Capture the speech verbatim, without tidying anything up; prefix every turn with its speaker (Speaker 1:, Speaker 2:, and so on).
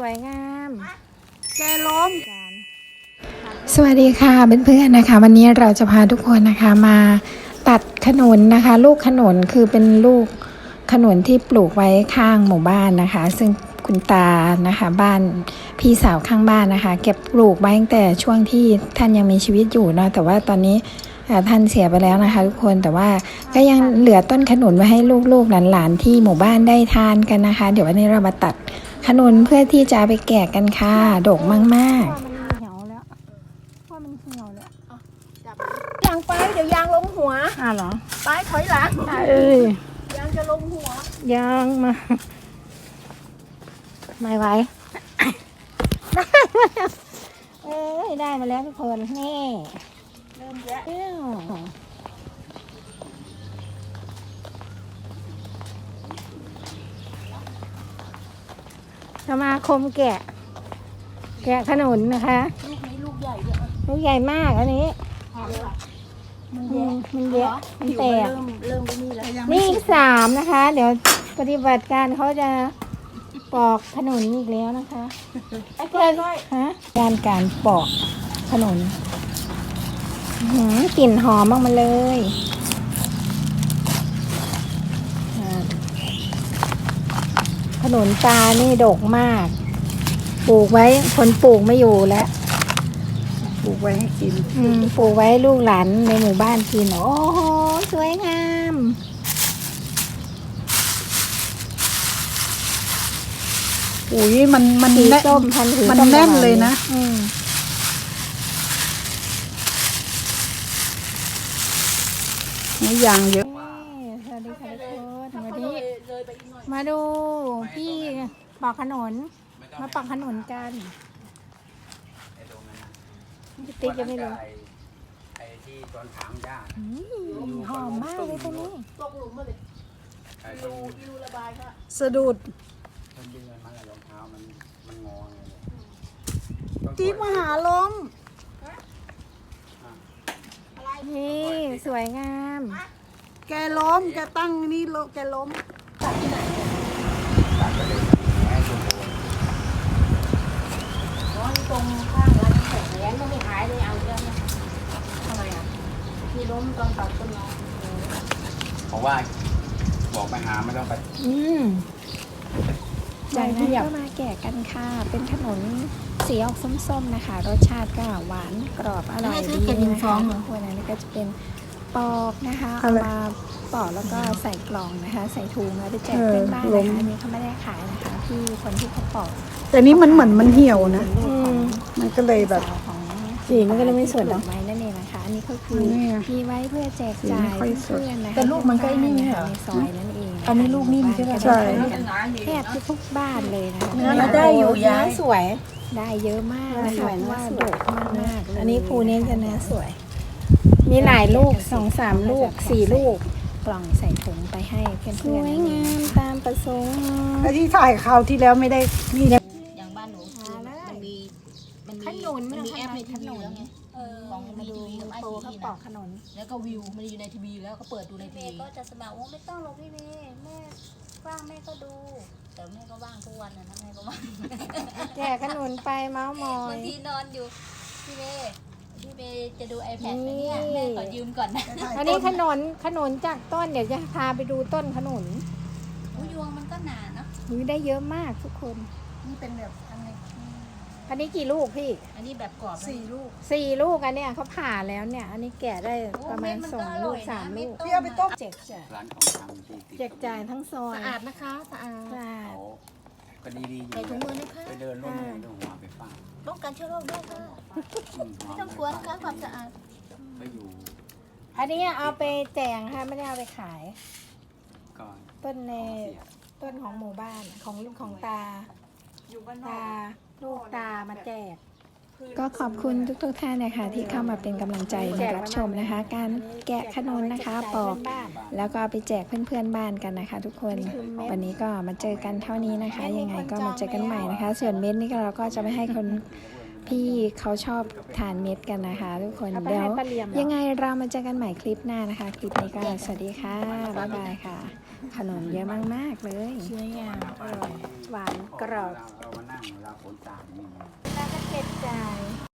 Speaker 1: วยงามแกล้มกัน
Speaker 2: สวัสดีค่ะเพื่อนๆนะคะวันนี้เราจะพาทุกคนนะคะมาตัดขนุนนะคะ ลูกขนุนคือเป็นลูกขนุนที่ปลูกไว้ข้างหมู่บ้านนะคะซึ่งคุณตานะคะบ้านพี่สาวข้างบ้านนะคะเก็บปลูกไว้ตั้งแต่ช่วงที่ท่านยังมีชีวิตอยู่เนาะแต่ว่าตอนนี้ท่านเสียไปแล้วนะคะทุกคนแต่ว่าก็ยังเหลือต้นขนุนไว้ให้ลูกๆหลานๆที่หมู่บ้านได้ทานกันนะคะเดี๋ยววันนี้เรามาตัดขนุนเพื่อที่จะไปแกะกันค่ะดกมากๆ
Speaker 1: ยางไปเดี๋ยวยางลงหัวอ่าเหรอไปถอยหลังเอ้ยยางจะลงหัวยางมาไม่ไหวเอ้ยได้มาแล้วทุกคนนี่เริ่มแล้วสมาคมแกะแกะขนุนนะคะลูกนี้ลูกใหญ่เลยลูกใหญ่มากอันนี้มันเยอะมันเยอะมันแตกเริ่มนี่แล้วนี่อีกสามนะคะเดี๋ยวปฏิบัติการเขาจะปอกขนุนอีกแล้วนะคะไอ้เพื่อนฮะการการปอกขนุนกลิ่นหอมมากมาเลยขนุนตานี่ดกมากปลูกไว้คนปลูกไม่อยู่แล้วปลูกไว้ให้กินอืมปลูกไว้ลูกหลานในหมู่บ้านกินโอ้โหสวยงาม
Speaker 3: อุ้ยมันมัน
Speaker 1: สี
Speaker 3: แน่น
Speaker 1: ส้มพันธุ์
Speaker 3: มันแน่นเลยนะ
Speaker 1: อืม
Speaker 3: นี่ยางเยอะ
Speaker 1: สวัสดีค่ะทุกคนวันนี้มาดูพี่ปอกขนุนมาปอกขนุนกันติ๊กยังไม่รู้
Speaker 4: ไอ้ที่ตอนถางหญ้า
Speaker 1: หอมมากเลยตัวนี้ตกหลุมมาเลยดูดูระบายค่ะ
Speaker 3: สะดุด
Speaker 4: มันดึงมันอะไรรองเท้ามันมันงอไงเลย
Speaker 3: จี๊บมหาลม
Speaker 1: นี่สวยงาม
Speaker 3: แกล้มแกตั้งนี่โลแกล้ม
Speaker 4: ตัดไปเลยแม่ชมพู
Speaker 1: อ๋อตรงข้างร้านแขกแย้มก็ไม่หายเลยเอาเรื่องนะทำไมอ่ะมีล้มตอนตัดต้นไม้
Speaker 4: เพราะว่าบอกไปหาไม่ต้องไป
Speaker 1: อืมจากนั้นก็มาแกะกันค่ะเป็นขนมสีออกส้มๆนะคะรสชาติก็หวานกรอบอร่อยดีนะคะคนนั้นก็จะเป็นปอกนะคะเอามาปอกแล้วก็ใส่กล่องนะคะใส่ถุงแล้วไปแจกเพื่อนบ้านนะคะอันนี้เขาไม่ได้ขายนะคะที่คนที่เขาปอก
Speaker 3: แต่นี่มันเหมือนมันเหี่ยวนะมันก็เลยแบบ
Speaker 1: สีมันก็เลยไม่สวยดอกไม้นั่นเองนะคะอันนี้ก็คือมีไว้เพื่อแจกจ่ายเพื่อนนะคะ
Speaker 3: แต่ลูกมันก็นี่เหรอ
Speaker 1: ในซอยนั่นเอง
Speaker 3: อันนี้ลูกนิ่มใช่ไหมใช่
Speaker 1: แทบทุกบ้านเลยนะคะ
Speaker 3: เนื้อได้อยู่ยาย
Speaker 1: สวยได้เยอะมากนะคะว่าดกมากมากอันนี้ภูนี้จะเนื้อสวยมีหลายลูกสองสามลูกสี่ลูกกล่องใส่ถุงไปให้เพื่อนๆสวยงามตามประสงค์
Speaker 3: แล้วที่ถ่ายคราวที่แล้วไม่ได้นี่นะ
Speaker 5: อย่างบ้านหนูมันมีมันมี
Speaker 1: ขนุน
Speaker 5: มันมีแอปในทีวีแล้วไงของ
Speaker 1: มาดูโตเขาปอกขนุน
Speaker 5: แล้วก็วิวมันอยู่ในทีวีแล้วก็เปิดดูในทีวีก็จะสมัครว่าไม่ต้องหรอกพี่เมย์แม่ว่างแม่ก็ดูแต่แม่ก็ว่างทุกวันนะแม่ก็ว่าง
Speaker 1: แจกขนุนไปเมาส์มอย
Speaker 5: บางทีนอนอยู่พี่เมย์พี่เมย์จะดู iPad ไหมเนี่ยแม่ขอยืมก่อนนะ
Speaker 1: อันนี้ขนุนขนุนจากต้นเดี๋ยวจะพาไปดูต้นขนุน
Speaker 5: ยวงมันก็หนาเนาะ
Speaker 1: นี่ได้เยอะมากทุกคน
Speaker 5: นี่เป็นแบบอันนี้
Speaker 1: อันนี้กี่ลูกพี่
Speaker 5: อันนี้แบบกรอบ
Speaker 3: สี่ลูก
Speaker 1: สี่ลูกอันเนี้ยเขาผ่าแล้วเนี่ยอันนี้แกะได้ประมาณสองลูกสามลูก
Speaker 3: พี่เอาไปต้ม
Speaker 1: เจ็กจ่าย
Speaker 4: ร้านของชำที่
Speaker 1: เจ็กจ่ายทั้งซอย
Speaker 5: สะอาดนะคะสะอาด
Speaker 1: สะอาด
Speaker 4: ก็ดีดี
Speaker 5: ใส่ถุงมือนะคะ
Speaker 4: ไปเดินร่มเดินหัวไปฟาด
Speaker 5: ป้องกันเชื้อโรคด้วยค่ะไม่ต้องกลัวนะคะความสะอาด
Speaker 4: ไปอยู่
Speaker 1: อันนี้เอาไปแจกค่ะไม่ได้เอาไปขาย
Speaker 4: ก่อน
Speaker 1: ต้นในต้นของหมู่บ้านของลูกของตาตาลูกตามาแจกก็ขอบคุณทุกๆท่านนะคะที่เข้ามาเป็นกำลังใจมารับชมนะคะการแกะขนุนนะคะปอกแล้วก็ไปแจกเพื่อนๆบ้านกันนะคะทุกคนวันนี้ก็มาเจอกันเท่านี้นะคะยังไงก็มาเจอกันใหม่นะคะส่วนเม็ดนี่เราก็จะไม่ให้คนพี่เขาชอบทานเม็ดกันนะคะทุกคนเดี๋ยวยังไงเรามาเจอกันใหม่คลิปหน้านะคะคลิปนี้ก็สวัสดีค่ะบ๊ายบายค่ะขนมเยอะมากๆเลย
Speaker 5: สวยงามอร่อย
Speaker 1: หวานกรอบ
Speaker 4: เรามานั่งเราฝนสาดนี่
Speaker 1: แล้วก็เจ็บใจ